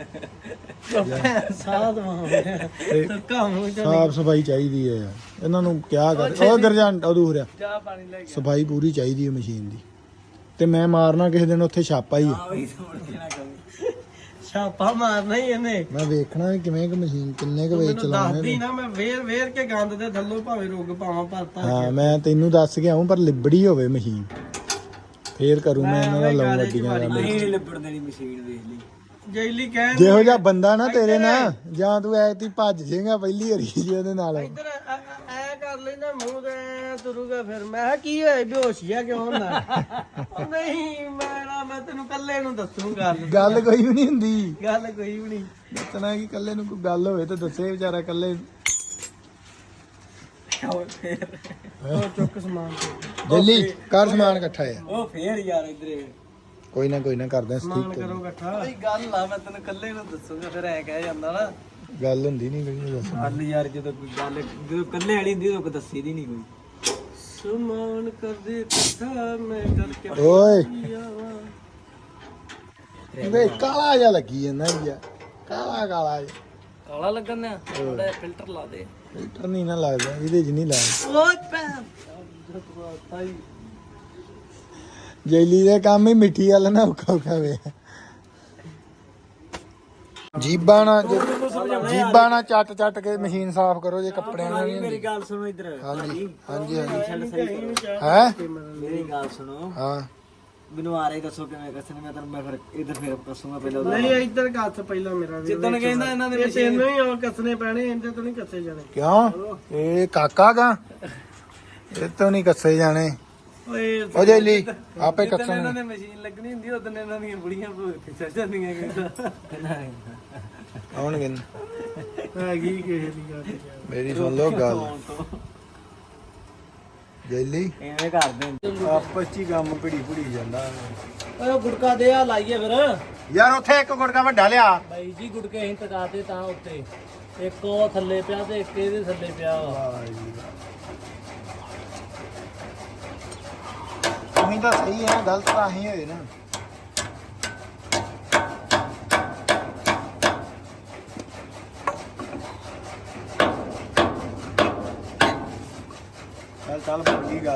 [SPEAKER 1] ਸਾਧ ਮਾਵੇ ਤੇ ਕੰਮ
[SPEAKER 2] ਸਾਫ ਸਫਾਈ ਚਾਹੀਦੀ ਹੈ ਯਾਰ ਇਹਨਾਂ ਨੂੰ ਕਿਆ ਕਰ ਉਹ ਗਰਜਾਂ ਅਧੂਰਿਆ
[SPEAKER 1] ਚਾਹ ਪਾਣੀ ਲੈ ਕੇ
[SPEAKER 2] ਸਫਾਈ ਪੂਰੀ ਚਾਹੀਦੀ ਹੈ ਮਸ਼ੀਨ ਦੀ ਤੇ ਮੈਂ ਮਾਰਨਾ ਕਿਸੇ ਦਿਨ ਉੱਥੇ ਛਾਪਾ ਹੀ ਹੈ
[SPEAKER 4] ਆ ਵੀ ਸੁਣ ਕੇ ਨਾ ਕਹੀ
[SPEAKER 1] ਛਾਪਾ ਮਾਰਨਾ ਹੀ ਇਹਨੇ
[SPEAKER 2] ਮੈਂ ਵੇਖਣਾ ਵੀ ਕਿਵੇਂ ਕਿ ਮਸ਼ੀਨ ਕਿੰਨੇ ਕੁ ਵੇਚ
[SPEAKER 1] ਮੈਨੂੰ
[SPEAKER 2] ਚਲਾਉਣੇ
[SPEAKER 1] ਦੱਸਦੀ ਨਾ ਮੈਂ ਵੇਰ ਵੇਰ ਕੇ ਗੰਦ ਦੇ ਥੱਲੋਂ ਭਾਵੇਂ ਰੁੱਗ ਪਾਵਾਂ ਭਰਤਾ
[SPEAKER 2] ਹਾਂ ਮੈਂ ਤੈਨੂੰ ਦੱਸ ਕੇ ਆਉਂ ਪਰ ਲਿਬੜੀ ਹੋਵੇ ਮਸ਼ੀਨ ਫੇਰ ਕਰੂੰ ਮੈਂ ਇਹਨਾਂ ਦਾ
[SPEAKER 1] ਮੈਂ
[SPEAKER 2] ਲਾਉਂ
[SPEAKER 1] ਗਾਲੇ ਚ
[SPEAKER 2] ਅੱਡੀਆਂ ਦਾ
[SPEAKER 4] ਨਹੀਂ ਲਿਬੜ ਦੇਣੀ ਮਸ਼ੀਨ ਵੇਖ ਲਈ
[SPEAKER 1] ਜੈਲੀ ਕਹਿਣ
[SPEAKER 2] ਜਿਹੋ ਜਿਹਾ ਬੰਦਾ ਨਾ ਤੇਰੇ ਨਾਲ ਜਾਂ ਤੂੰ ਐਤੀ ਭੱਜ ਜਾਏਗਾ ਪਹਿਲੀ ਵਾਰੀ ਜੀ ਉਹਦੇ ਨਾਲ
[SPEAKER 1] ਇੱਧਰ ਐ ਐ ਕਰ ਲੈਂਦਾ ਮੂੰਹ ਤੇ ਐਂ ਤੁਰੂਗਾ ਫਿਰ ਮੈਂ ਕਿਹਾ ਕੀ ਹੋਇਆ ਬੇਹੋਸ਼ੀਆ ਕਿਉਂ ਹੁੰਦਾ ਉਹ ਨਹੀਂ ਮੈਂ ਨਾ ਮੈਂ ਤੈਨੂੰ ਕੱਲੇ ਨੂੰ ਦੱਸੂਗਾ
[SPEAKER 2] ਗੱਲ ਕੋਈ ਵੀ ਨਹੀਂ ਹੁੰਦੀ
[SPEAKER 1] ਗੱਲ ਕੋਈ ਵੀ ਨਹੀਂ
[SPEAKER 2] ਦੱਸਣਾ ਕਿ ਕੱਲੇ ਨੂੰ ਕੋਈ ਗੱਲ ਹੋਵੇ ਤਾਂ ਦੱਸੇ ਵਿਚਾਰਾ ਕੱਲੇ
[SPEAKER 1] ਉਹ ਚੁੱਕ ਸਮਾਨ
[SPEAKER 2] ਦਿੱਲੀ ਕਰ ਸਮਾਨ ਇਕੱਠਾ ਆ
[SPEAKER 4] ਉਹ ਫੇਰ ਯਾਰ ਇਧਰੇ
[SPEAKER 2] ਕੋਈ ਨਾ ਕੋਈ ਨਾ ਕਰਦੇ
[SPEAKER 1] ਸਮਾਨ
[SPEAKER 2] ਸਟਿਕ
[SPEAKER 1] ਕਰੋ ਇਕੱਠਾ ਕੋਈ ਗੱਲ ਆ ਮੈਂ ਤੈਨੂੰ ਕੱਲੇ ਨੂੰ ਦੱਸੂਗਾ ਫਿਰ ਐ ਕਹਿ ਜਾਂਦਾ ਨਾ
[SPEAKER 2] ਗੱਲ ਹੁੰਦੀ ਨਹੀਂ ਕੋਈ ਦੱਸ
[SPEAKER 4] ਗੱਲ ਯਾਰ ਜਦੋਂ ਕੋਈ ਗੱਲ ਜਦੋਂ ਕੱਲੇ ਵਾਲੀ ਹੁੰਦੀ ਉਦੋਂ ਕੋਈ ਦੱਸੀ ਦੀ ਨਹੀਂ ਕੋਈ
[SPEAKER 1] ਸਮਾਨ ਕਰਦੇ ਇਕੱਠਾ ਮੈਂ ਕਰਕੇ
[SPEAKER 2] ਓਏ
[SPEAKER 1] ਆਵਾਂ।
[SPEAKER 2] ਵੇ ਕਾਲਾ ਜਿਹਾ ਲੱਗੀ ਜਾਂਦਾ ਯਾਰ ਕਾਲਾ ਕਾਲਾ ਜਿਹਾ
[SPEAKER 1] ਕਾਲਾ ਲੱਗਣ ਨਾ ਥੋੜਾ ਫਿਲਟਰ ਲਾ ਦੇ
[SPEAKER 2] ਫਿਲਟਰ ਨਹੀਂ ਨਾ ਲੱਗਦਾ ਇਹਦੇ 'ਚ ਨਹੀਂ ਲੱਗਦਾ
[SPEAKER 1] ਓਏ ਭੈਣ ਤਾਈ
[SPEAKER 2] ਜੈਲੀ ਦੇ ਕੰਮ ਹੀ ਮਿੱਠੀ ਵਾਲਾ ਨਾ ਔਖਾ ਔਖਾ ਵੇ ਜੀਬਾਂ ਨਾਲ ਜੀਬਾਂ ਨਾਲ ਚੱਟ ਚੱਟ ਕੇ ਮਸ਼ੀਨ ਸਾਫ਼ ਕਰੋ ਜੇ ਕੱਪੜਿਆਂ ਨਾਲ ਨਹੀਂ
[SPEAKER 4] ਮੇਰੀ ਗੱਲ ਸੁਣੋ ਇਧਰ
[SPEAKER 2] ਹਾਂਜੀ ਹਾਂਜੀ ਹਾਂਜੀ
[SPEAKER 4] ਚੱਲ ਸਹੀ ਕਰੋ।
[SPEAKER 2] ਹੈ
[SPEAKER 4] ਮੇਰੀ ਗੱਲ ਸੁਣੋ
[SPEAKER 2] ਹਾਂ
[SPEAKER 4] ਮੈਨੂੰ ਆ ਰਹੀ ਦੱਸੋ ਕਿਵੇਂ ਕੱਸਣੇ ਮੈਂ ਤੁਹਾਨੂੰ ਮੈਂ ਫਿਰ ਇਧਰ ਫਿਰ ਕੱਸੂਗਾ ਪਹਿਲਾਂ
[SPEAKER 1] ਨਹੀਂ ਇੱਧਰ ਕੱਸ ਪਹਿਲਾਂ ਮੇਰਾ ਵੀ
[SPEAKER 4] ਜਿੱਦਣ ਕਹਿੰਦਾ ਇਹਨਾਂ ਦੇ
[SPEAKER 1] ਇਹ ਤੈਨੂੰ ਹੀ ਉਹ ਕੱਸਣੇ ਪੈਣੇ ਇਹਦੇ ਤੋਂ ਨਹੀਂ ਕੱਸੇ ਜਾਣੇ
[SPEAKER 2] ਕਿਉਂ ਇਹ ਕਾਕਾ ਗਾ ਇਹ ਤੋਂ ਨਹੀਂ ਕੱਸੇ ਜਾਣੇ
[SPEAKER 1] ਓਏ
[SPEAKER 2] ਉਹ ਜੈਲੀ ਆਪੇ
[SPEAKER 1] ਇਹਨਾਂ
[SPEAKER 2] ਕੱਸਣ
[SPEAKER 1] ਨੇ ਮਸ਼ੀਨ ਲੱਗਣੀ ਹੁੰਦੀ ਉਦੋਂ ਇਹਨਾਂ ਦੀਆਂ ਬੁੜੀਆਂ ਭੂਤ ਚੜ ਜਾਂਦੀਆਂ ਕਿਦਾਂ
[SPEAKER 2] ਆਉਣਗੇ
[SPEAKER 1] ਹੈਗੀ ਕਿਸੇ ਦੀ ਗੱਲ
[SPEAKER 2] ਮੇਰੀ ਸੁਣ ਲਓ ਗੱਲ ਜੈਲੀ
[SPEAKER 4] ਐਵੇਂ ਕਰਦੇ
[SPEAKER 2] ਆਪਸ ਚ ਹੀ ਕੰਮ ਭਿੜੀ ਭਿੜੀ ਜਾਂਦਾ
[SPEAKER 1] ਓਏ ਗੁੜਕਾ ਦੇ ਆ ਲਾਈਏ ਫਿਰ
[SPEAKER 2] ਯਾਰ ਉੱਥੇ ਇੱਕ ਗੁੜਕਾ ਵੱਡਾ ਲਿਆ
[SPEAKER 1] ਬਾਈ ਜੀ ਗੁੜਕੇ ਅਸੀਂ ਟਕਾਤੇ ਤਾਂ ਉੱਤੇ ਇੱਕ ਉਹ ਥੱਲੇ ਪਿਆ ਤੇ ਇੱਕ ਇਹਦੇ ਥੱਲੇ ਪਿਆ ਵਾ
[SPEAKER 2] ਤੁਸੀਂ ਤਾਂ ਸਹੀ ਹੈ ਗਲਤ ਤਾਂ ਅਸੀਂ ਹੋਏ ਨਾ
[SPEAKER 3] ਗੱਲ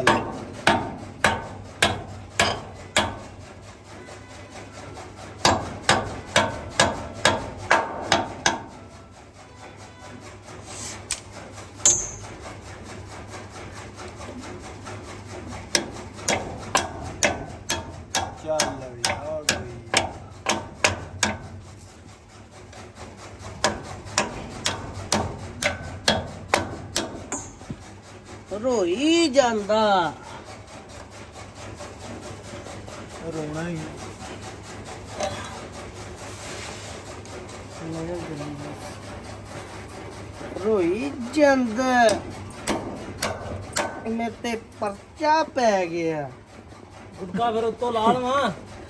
[SPEAKER 3] ਚੱਲ ਵੀ ਹੋ ਗਈ
[SPEAKER 1] ਰੋਈ ਜਾਂਦਾ
[SPEAKER 3] ਰੋਣਾ ਹੀ
[SPEAKER 1] ਰੋਈ ਜਾਂਦਾ ਮੇਰੇ ਤੇ ਪਰਚਾ ਪੈ ਗਿਆ
[SPEAKER 4] ਗੁੱਟਕਾ ਫਿਰ ਉੱਤੋਂ ਲਾ ਲਵਾਂ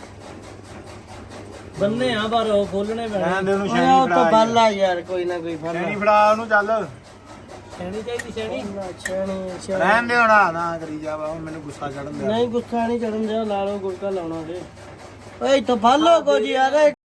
[SPEAKER 4] ਬੰਨੇ ਆ ਪਰ ਉਹ ਖੋਲਣੇ ਪੈਣੇ
[SPEAKER 3] ਰਹਿਣ ਦੇ ਉਹਨੂੰ
[SPEAKER 1] ਓਏ
[SPEAKER 3] ਸ਼ੈਣੀ
[SPEAKER 1] ਉਹ ਤਾਂ
[SPEAKER 3] ਫੜਾ
[SPEAKER 1] ਬਾਲਾ ਯਾਰ ਕੋਈ ਨਾ ਕੋਈ ਫੜ
[SPEAKER 3] ਸ਼ੈਣੀ ਫੜਾ ਉਹਨੂੰ ਚੱਲ
[SPEAKER 4] ਛੈਣੀ ਚਾਹੀਦੀ ਛੈਣੀ
[SPEAKER 1] ਛੇਣੀ ਛੇਣੀ
[SPEAKER 3] ਰਹਿਣ ਦੇ ਹੋਣਾ ਨਾ ਕਰੀ ਜਾ ਵਾ, ਹੁਣ ਮੈਨੂੰ ਗੁੱਸਾ ਚੜਨ ਦਿਆ
[SPEAKER 1] ਨਹੀਂ ਗੁੱਸਾ ਨਹੀਂ ਚੜਨ ਦਿਆ ਲਾ ਲਓ ਗੁੜਕਾ ਲਾਉਣਾ ਜੇ ਓਏ ਇੱਥੋਂ ਫੜ ਲਓ ਕੁਝ ਯਾਰ